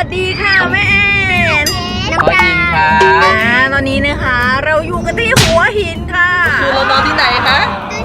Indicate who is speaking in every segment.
Speaker 1: วัสดีค่ะแม่แอน
Speaker 2: น้องจินค่ะ
Speaker 1: ตอนนี้นะคะเราอยู่กันที่หัวหินค่ะ
Speaker 2: คือเรานอนที่ไหนคะ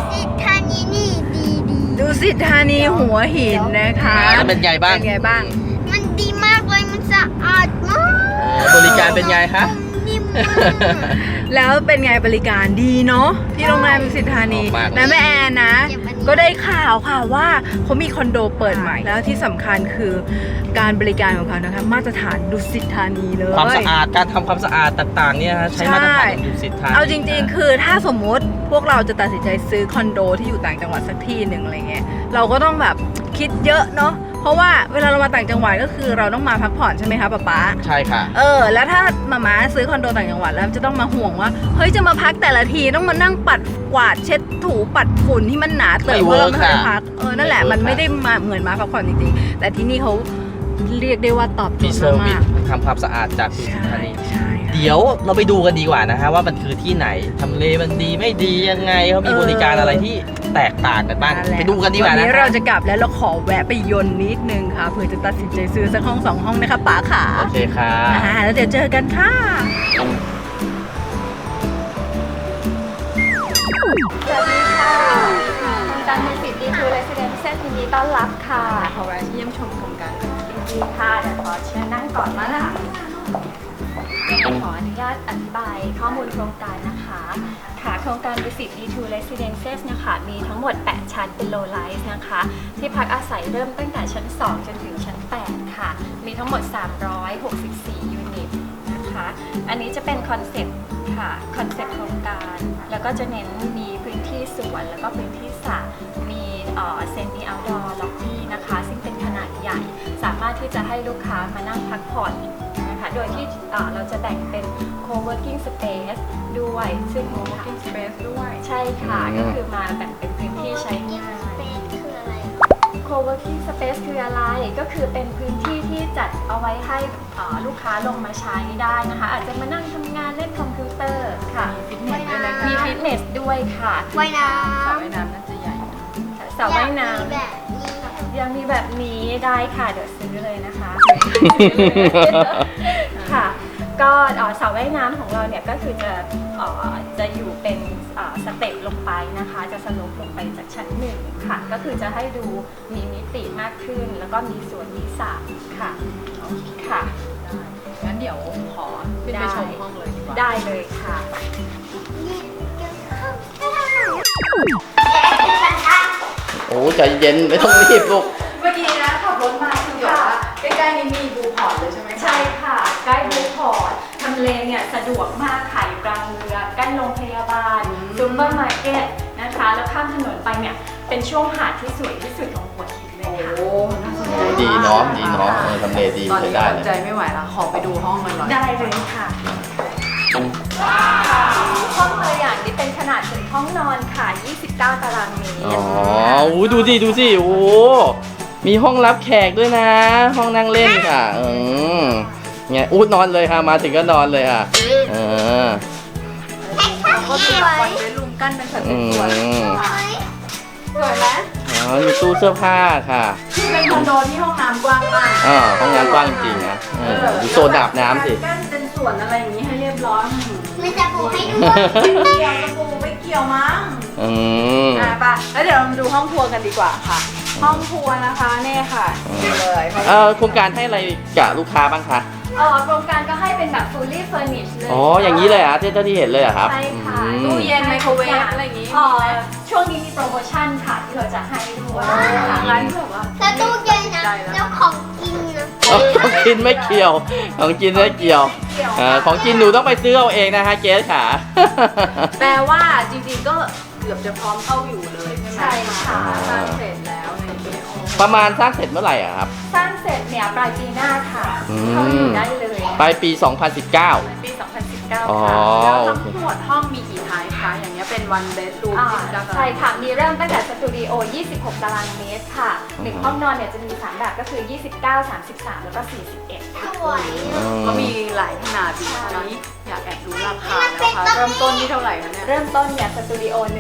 Speaker 1: ดูสิธานีหัวหินนะคะ
Speaker 2: แล้วเป็นไงบ้าง
Speaker 1: เป็นไงบ้าง
Speaker 3: มันดีมากเลยมันสะอาดมาก
Speaker 2: บริการเป็นไงคะ
Speaker 3: นิ่มมาก
Speaker 1: แล้วเป็นไงบริการดีเนาะที่โรงแรมดุสิตธานีและแม่แอนนะก็ได้ข่าวค่ะว่าเขามีคอนโดเปิดใหม่แล้วที่สำคัญคือการบริการของเขานะคะมาตรฐานดุสิตธานีเลย
Speaker 2: ความสะอาดการทำความสะอาดต่างๆเนี่ยใช้มาตรฐานดุสิตธานี
Speaker 1: เอาจริงๆคือถ้าสมมุติพวกเราจะตัดสินใจซื้อคอนโดที่อยู่ต่างจังหวัดสักที่หนึ่งอะไรเงี้ยเราก็ต้องแบบคิดเยอะเนาะเพราะว่าเวลาเรามาต่างจังหวัดก็คือเราต้องมาพักผ่อนใช่ไหมคะป๊า
Speaker 2: ใช่ค่ะ
Speaker 1: แล้วถ้ามาซื้อคอนโดต่างจังหวัดแล้วจะต้องมาห่วงว่าเฮ้ยจะมาพักแต่ละทีต้องมานั่งปัดกวาดเช็ดถูปัดฝุ่นที่มันหนาเตอะเพราะเราไม่ได้พักนั่นแหละมันไม่ได้มาเหมือนมาพักผ่อนจริงๆแต่ที่นี่เขาเรียกได้ว่าตอบโจทย์มาก
Speaker 2: ทำความสะอาดจากดุสิตธานี
Speaker 1: ใช่
Speaker 2: เดี๋ยวเราไปดูกันดีกว่านะฮะว่ามันคือที่ไหนทำเลมันดีไม่ดียังไงเขามีบริการอะไรที่แตกต่างกันบ้างไปดูกันดีกว่านะ
Speaker 1: วันนี้เราจะกลับแล้วเราขอแวะไปยนต์นิดนึงค่ะเพื่อจะตัดสินใจซื้อสักห้อง2 ห้องนะคะป๋าขา
Speaker 2: โอเคค่ะ
Speaker 1: แล้วเดี๋ยวเจอกันค่ะ
Speaker 4: สวัสดีค่ะการมีสิทธิ์ดีทูเรสซิเดนเซ็ตยินดีต้อนรับค่ะ
Speaker 1: ขอแวะเยี่ยมชมโครงการ
Speaker 4: ยินดีค่ะเดี๋ยวขอเชิญนั่งก่อนมาค่ะขออนุญาตอธิบายข้อมูลโครงการนะคะค่ะโครงการ Visit D2 Residences นะคะมีทั้งหมด8ชั้นเป็น low rise นะคะที่พักอาศัยเริ่มตั้งแต่ชั้น2จนถึงชั้น8ค่ะมีทั้งหมด364ยูนิตนะคะอันนี้จะเป็นคอนเซ็ปต์ค่ะคอนเซ็ปต์โครงการแล้วก็จะเน้นมีพื้นที่สวนแล้วก็พื้นที่สระมีเซมิเอาท์ดอร์ล็อบบี้นะคะซึ่งเป็นขนาดใหญ่สามารถที่จะให้ลูกค้ามานั่งพักผ่อนนะคะโดยที่เราจะแบ่งเป็น co-working space ด้วยซึ่ง
Speaker 1: co-working space ด้วย
Speaker 4: ใช่ค่ะก็คือมาแบ่งเป็นพื้นที่ใช้งาน
Speaker 3: คืออะไร
Speaker 4: co-working space คืออะไรก็คือเป็นพื้นที่ที่จัดเอาไว้ให้ลูกค้าลงมาใช้ได้นะคะอาจจะมานั่งทำงานเล่นคอมพิวเตอร์ค่ะมีฟิตเนสด้วยค่ะ
Speaker 3: ว่ายน้
Speaker 1: ำสระว่ายน้ำน่าจะใหญ่
Speaker 4: สระว่ายน้ำยังมีแบบนี้ได้ค่ะเดี๋ยวซื้อเลยนะคะค่ะก็สระว่ายน้ำของเราเนี่ยก็คือจะอยู่เป็นสเต็ปลงไปนะคะจะสโลปลงไปจากชั้น1ค่ะก็คือจะให้ดูมีมิติมากขึ้นแล้วก็มีสวนมีสระค่ะค่ะ
Speaker 1: งั้นเดี๋ยวขอขึ้นไปชมห้องเลยดีกว่า
Speaker 4: ได้เลยค่ะ
Speaker 2: โอ้ใจเย็นไม่ต้องรีบลูก
Speaker 1: เมื่อกี้นะขับรถมาคือแบบว่าใกล้ๆนี้มีบูพอร์ตเลยใช่ไหม
Speaker 4: ใช่ค่ะใกล้บูพอร์ตทำเลเนี่ยสะดวกมากค่ะอยู่กลางเมืองใกล้โรงพยาบาลซูเปอร์มาร์เก็ตนะคะแล้วข้ามถนนไปเนี่ยเป็นช่วงหาดที่สวยที่สุดของหัวหินเลยค่ะ
Speaker 2: ดีเนาะดีเนาะทำเลดีใช้ได้เลย
Speaker 1: ใจไม่ไหวแล้วขอไปดูห้องมันหน่อย
Speaker 4: ได้เลยค่ะห้องตัวอย่างนี้เป็นขนาดถึงห้องนอนค่ะ29 ตารางเมตร
Speaker 2: อ๋อดูสิโอ้มีห้องรับแขกด้วยนะห้องนั่งเล่นค่ะเนี่ยนอนเลยค่ะมาถึงก็นอนเลยค่ะ
Speaker 1: ก็มีวันเว้นรูมกั้นเป็นสัดส่วนสวยไหม
Speaker 2: มีตู้เสื้อผ้าค่ะ
Speaker 1: เป็นคอนโดที่ห้องน้ำกว้างมาก
Speaker 2: ห้องน้ำกว้างจริงนะดูโซนอาบน้ำสิ
Speaker 1: กั้นเป็นส่วนอะไรอย่างนี้ให้เรียบร้อย
Speaker 3: ไม่จะปูให้ด้วย
Speaker 1: เกี่ยวจะปูไม่เกี่ยวมั้งป่ะแล้วเดี๋ยวเรามาดูห้องครัวกันดีกว่าค่ะห้องครัวนะคะเนี่ยค่ะเลย
Speaker 2: โครงการให้อะไรกับลูกค้าบ้างคะ
Speaker 4: โครงการก็ให้เป็นแบบ fully furnished เลย
Speaker 2: อย่างนี้เลยอ่ะที่เห็นเลยอ่ะครับ
Speaker 4: ใช่ค่ะ
Speaker 1: ตู้เย็นไมโครเวฟอะไรอย่างนี้
Speaker 4: ช่วงนี้มีโปรโมชั่นค่ะที่เราจะให้ด้วย
Speaker 1: ร้านแบบว่า
Speaker 3: แล้วตู้เย็นนะแล้วของกินนะ
Speaker 2: ของกินไม่เกี่ยวของกินไม่เกี่ยวของกินหนูต้องไปซื้อเอาเองนะคะเจ๊ค่ะ
Speaker 1: แปลว่าจริงๆก็เกือบจะพร้อมเข้าอยู่เลยใช่ไหมค่ะสร้างเสร็จแล้วในปี
Speaker 2: ประมาณสร้างเสร็จเมื่อไหร่อ่ะครับ
Speaker 4: สร้างเสร็จเนี่ยปลายปีหน้าค่ะเข้าอยู่ได้เลย
Speaker 2: ปลายปี 2019
Speaker 4: ปี 2019ค่ะ
Speaker 1: แล้วทั้งหมดห้องมีกี่ไทป์คะอย่างเงี้ยเป็นวันเบดรูม
Speaker 4: ใช่ค่ะมีเริ่มตั้งแต่สตูดิโอ26 ตารางเมตรค่ะ1ห้องนอนเนี่ยจะมี3แบบก็คือ29 33แล้วก็41ค่ะ
Speaker 1: ก็มีหลายขนาดดีตอนนี้อยากแอบดูราคาแล้วค่ะเริ่มต้นที่เท่าไหร่คะเนี่ย
Speaker 4: เริ่มต้นเนี่ยสตูดิโอ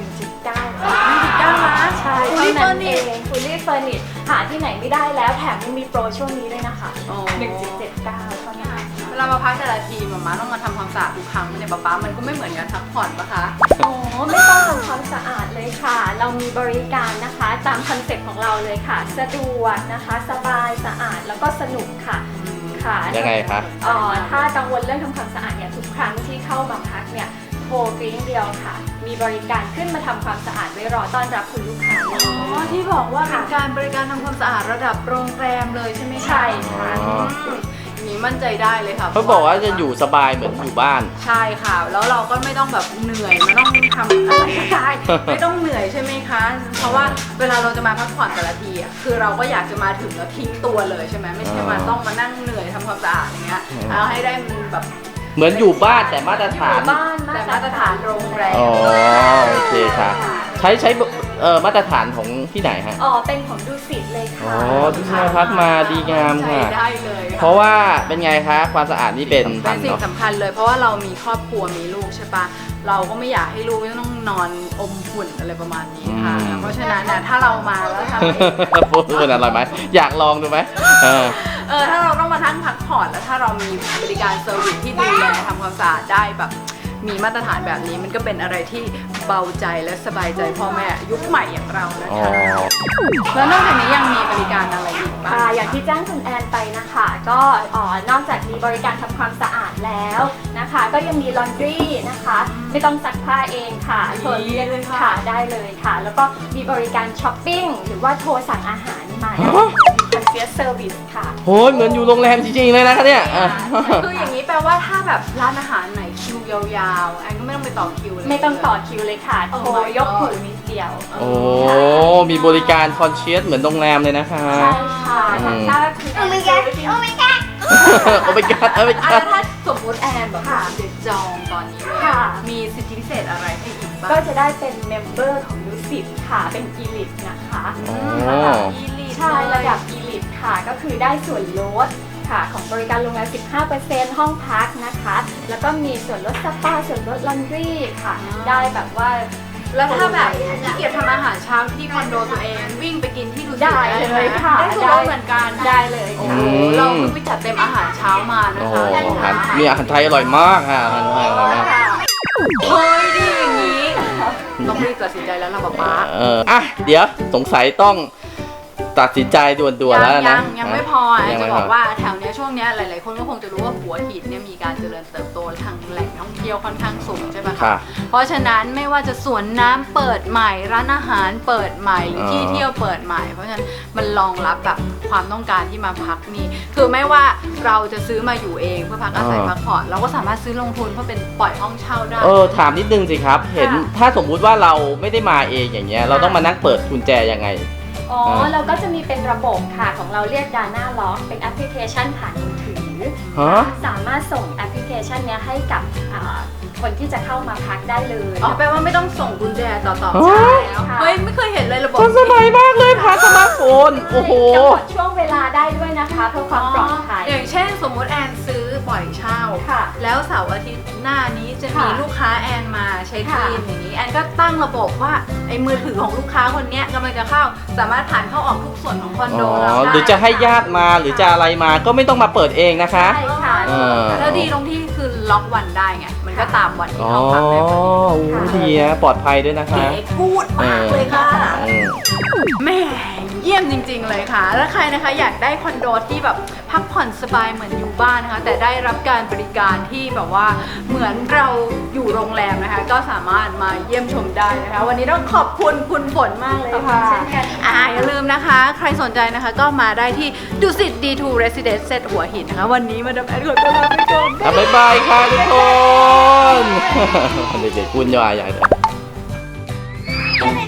Speaker 1: 1.9 ล้าน
Speaker 4: ใช่
Speaker 1: Fully
Speaker 4: เท่านั้นเอ
Speaker 1: furnished
Speaker 4: ง Fully furnished หาที่ไหนไม่ได้แล้วแถมยังมีโปรช่วงนี้ด้วยนะคะ
Speaker 1: โอ้
Speaker 4: 1.79 เท่านั้น
Speaker 1: เวลามาพักแต่ละทีมาต้องมาทำความสะอาดทุกครั้งเนี่ยป๊ามันก็ไม่เหมือนกันพักผ่อนปะคะ
Speaker 4: โอ้ไม่ต้องทำความสะอาดเลยค่ะ เรามีบริการนะคะตามคอนเซ็ปต์ของเราเลยค่ะ สะดวกนะคะ สบายสะอาดแล้วก็สนุกค่ะค่ะ
Speaker 2: ยังไงคะ
Speaker 4: ถ้ากังวลเรื่องทำความสะอาดเนี่ยทุกครั้งที่เข้ามาพักเนี่ยโทรกริ้งเดียวค่ะ มีบริการขึ้นมาทำความสะอาดไว้รอต้อนรับคุณลูกค้าเลย
Speaker 1: อ๋อที่บอกว่าเป็นการบริการทำความสะอาดระดับโรงแรมเลยใช่ไหมคะ
Speaker 4: ใช่ค่ะ
Speaker 2: อ๋อ
Speaker 1: อย่างนี้มั่นใจได้เลยค่ะ
Speaker 2: เขาบอกว่าจะอยู่สบายเหมือนอยู่บ้าน
Speaker 1: ใช่ค่ะ แล้วเราก็ไม่ต้องแบบเหนื่อยไม่ต้องทำอะไรก็ได้ ไม่ต้องเหนื่อยใช่ไหมคะ เพราะว่าเวลาเราจะมาพักผ่อนแต่ละทีอ่ะคือเราก็อยากจะมาถึงแล้วทิ้งตัวเลยใช่ไหมไม่ใช่มาต้องมานั่งเหนื่อยทำความสะอาดอย่างเงี้ยเอาให้ได้มันแบบ
Speaker 2: เหมือนอยู่บ้านแต่มาตรฐาน
Speaker 4: บ้าน
Speaker 1: แต่มาตรฐานโรงแรม
Speaker 2: อ๋อโอเคค่ะ ใช้มาตรฐานของที่ไหนฮะ
Speaker 4: เป็นของดูสิตเลย
Speaker 2: อ๋
Speaker 4: ค่ะ
Speaker 2: อที่มาพักมาดีงาม
Speaker 1: ใช้
Speaker 2: ค่ะ
Speaker 1: ได้เลย
Speaker 2: เพราะว่าเป็นไงคะความสะอาดนี่เป็น
Speaker 1: เป็นสิ่ง
Speaker 2: เนาะ
Speaker 1: สำคัญเลย เพราะว่าเรามีครอบครัวมีลูกใช่ปะเราก็ไม่อยากให้ลูกต้องนอนอมฝุ่นอะไรประมาณนี้ค่ะ เพราะฉะนั้นนะถ้าเรามาแล้วทำให้
Speaker 2: พูดเป็นอะไรไหมอยากลองดูไหม
Speaker 1: ถ้าเราต้องมาทั้งพักผ่อนแล้วถ้าเรามีบริการเซอร์วิสที่ดูแลทำความสะอาดได้แบบมีมาตรฐานแบบนี้มันก็เป็นอะไรที่เบาใจและสบายใจพ่อแม่ยุคใหม่อย่างเรานะ
Speaker 2: อ๋อ
Speaker 1: คะแล้วนอกจากนี้ยังมีบริการอะไรอีกบ้าง
Speaker 4: อย่างที่แจ้งคุณแอนไปนะคะ ก็นอกจากมีบริการทำความสะอาดแล้วนะคะ ก็ยังมีลอนดรีนะคะ ไม่ต้องซักผ้าเองค่ะ
Speaker 1: ดี
Speaker 4: โทรเรียก
Speaker 1: เลยค่ะ
Speaker 4: ค่ะได้เลยค่ะ แล้วก็มีบริการช้อปปิ้งหรือว่าโทรสั่งอาหารมาได้มีคอนเซียร์เซอร์วิสค่ะ
Speaker 2: โหเหมือนอยู่โรงแรมจริงๆเลยนะคะเนี่ย
Speaker 1: คืออย่างนี้แปลว่าถ้าแบบร้านอาหารไหนคิวยาวๆแอนก็ไม่ต้องไปต่อคิวเลย
Speaker 4: ไม่ต้องต่อคิวเลยค่ะ
Speaker 1: Oh
Speaker 4: โทร
Speaker 1: my
Speaker 4: ยก
Speaker 1: God
Speaker 4: หูนิดเดียว
Speaker 2: โอ้ มีบริการคอนเชียสเหมือนโรงแรมเลยนะคะ
Speaker 4: ใช่ค่ะ
Speaker 2: อืม
Speaker 4: ถ้าคือ
Speaker 3: โอ้ my god โอ้ my god
Speaker 2: โอ้ไปกัดโอ้ไป
Speaker 1: อ่ะ
Speaker 2: กั
Speaker 1: แล้
Speaker 2: ด
Speaker 1: วถ้าสมมติแอนแบบ
Speaker 4: ค่ะ
Speaker 1: จะจองตอนนี้เลย
Speaker 4: ค่ะ
Speaker 1: มีสิทธิพิเศษอะไรให้อีกบ้าง
Speaker 4: ก็จะได้เป็นเมมเบอร์ของดูสิตค่ะ เป็นอีลิทนะคะ
Speaker 2: อ๋อ
Speaker 1: ระดับอีลิท
Speaker 4: ใช่ระดับอีลิทค่ะ ก็คือได้ส่วนลดค่ะ ของบริการโรงแรม 15% ห้องพักนะคะ แล้วก็มีส่วนลดสปา ส่วนลดลอนดรีค่ะ ได้แบบว่า
Speaker 1: แล้วถ้าแบบขี้เกียจทำอาหารเช้าที่คอนโดตัวเองวิ่งไปกินที่ดูสิต
Speaker 4: ได้เลยค่ะ
Speaker 1: ได้ส่วนลดเหมือนกัน
Speaker 4: ได้เลย
Speaker 1: โอ้
Speaker 4: ค่ะ
Speaker 1: โหเราเพิ่งไปจัดเต็มอาหารเช้ามานะ
Speaker 2: โอ้โห
Speaker 1: คะ
Speaker 2: อาหารมีอาหารไทยอร่อยมากค่ะอาหารไทยอร่อยมาก
Speaker 1: เฮ้ยดีอย่างนี้ต้องรีบตัดสินใจแล้วล่ะป๊า
Speaker 2: เดี๋ยวสงสัยต้องตัดสินใจด่วนๆแล้วนะ
Speaker 1: ยังไม่พอ
Speaker 2: ยั
Speaker 1: จะ
Speaker 2: ไม่
Speaker 1: บ
Speaker 2: พ
Speaker 1: อกว่าแถวเนี้ยช่วงเนี้ยหลายๆคนก็คงจะรู้ว่าหัวหินเนี่ยมีการเจริญเติบโตทางแหล่งท่องเที่ยวค่อนข้างสูงใช่ไหม
Speaker 2: ค่ะ
Speaker 1: คะเพราะฉะนั้นไม่ว่าจะสวนน้ำเปิดใหม่ร้านอาหารเปิดใหม่หรือที่เที่ยวเปิดใหม่ เพราะฉะนั้นมันรองรับแบบความต้องการที่มาพักนี่คือไม่ว่าเราจะซื้อมาอยู่เองเพื่อพักอาศัยพักผ่อนเราก็สามารถซื้อลงทุนเพื่อเป็นปล่อยห้องเช่าได้
Speaker 2: ถามนิดนึงสิครับ เห็นถ้าสมมุติว่าเราไม่ได้มาเองอย่างเงี้ย เราต้องมานั่งเปิดกุญแจยังไง
Speaker 4: เราก็จะมีเป็นระบบค่ะของเราเรียก Dana Lock เป็นแอปพลิเคชันผ่านมือถือ
Speaker 2: ฮะ
Speaker 4: สามารถส่งแอปพลิเคชันเนี้ยให้กับคนที่จะเข้ามาพักได้เลย
Speaker 1: อ๋อแปลว่าไม่ต้องส่งกุญแจต่อ
Speaker 2: อ๋อ
Speaker 1: ใช่แล้วเฮ้ยไม่เคยเห็นเลยระบบ
Speaker 2: ทันสมัยมากเลยผ่านสมาร์ทโฟน โอ้โห
Speaker 4: กำหนดช่วงเวลาได้ด้วยนะคะเพื่อความปลอดภัย
Speaker 1: อย่างเช่นสมมุติแอนซื้อปล่อยเช่า
Speaker 4: ค่ะ
Speaker 1: แล้วเสาร์อาทิตย์หน้านี้จะมี
Speaker 4: ค่ะ
Speaker 1: ลูกค้าแอนมาเช็ค
Speaker 4: ค่ะ
Speaker 1: อินอย่างนี้แอนก็ตั้งระบบว่าไอ้มือถือของลูกค้าคนเนี้ยกำลังจะเข้าสามารถผ่านเข้าออกทุกส่วนของคอนโดเราได้
Speaker 2: หรือจะให้ญาติมาหรือจะอะไรมาก็ไม่ต้องมาเปิดเองนะคะ
Speaker 4: ใช่ค่ะ
Speaker 2: เออ
Speaker 1: แล้วดีตรงที่คือล็อกวันได้ไงมันก็ตามวันที่
Speaker 2: อ๋อ
Speaker 1: เขาพักได้พอดี
Speaker 2: โอ้ดีนะปลอดภัยด้วยนะคะ
Speaker 1: เก๋พูดมากเลยค่ะ แม่เยี่ยมจริงๆเลยค่ะ แล้วใครนะคะอยากได้คอนโดที่แบบพักผ่อนสบายเหมือนอยู่บ้านนะคะ แต่ได้รับการบริการที่แบบว่าเหมือนเราอยู่โรงแรมนะคะ ก็สามารถมาเยี่ยมชมได้นะคะ วันนี้ต้องขอบคุณคุณฝนมากเลยค่ะ
Speaker 4: เช่นกัน
Speaker 1: อย่าลืมนะคะ ใครสนใจนะคะก็มาได้ที่ดุสิต D2 Residence เซตหัวหินนะคะ วันนี้มาดามแอนขอตัวลาไปก่อนค่ะ
Speaker 2: บ๊ายบายค่ะทุกคน เด็กๆพูดย่อยใหญ่เลย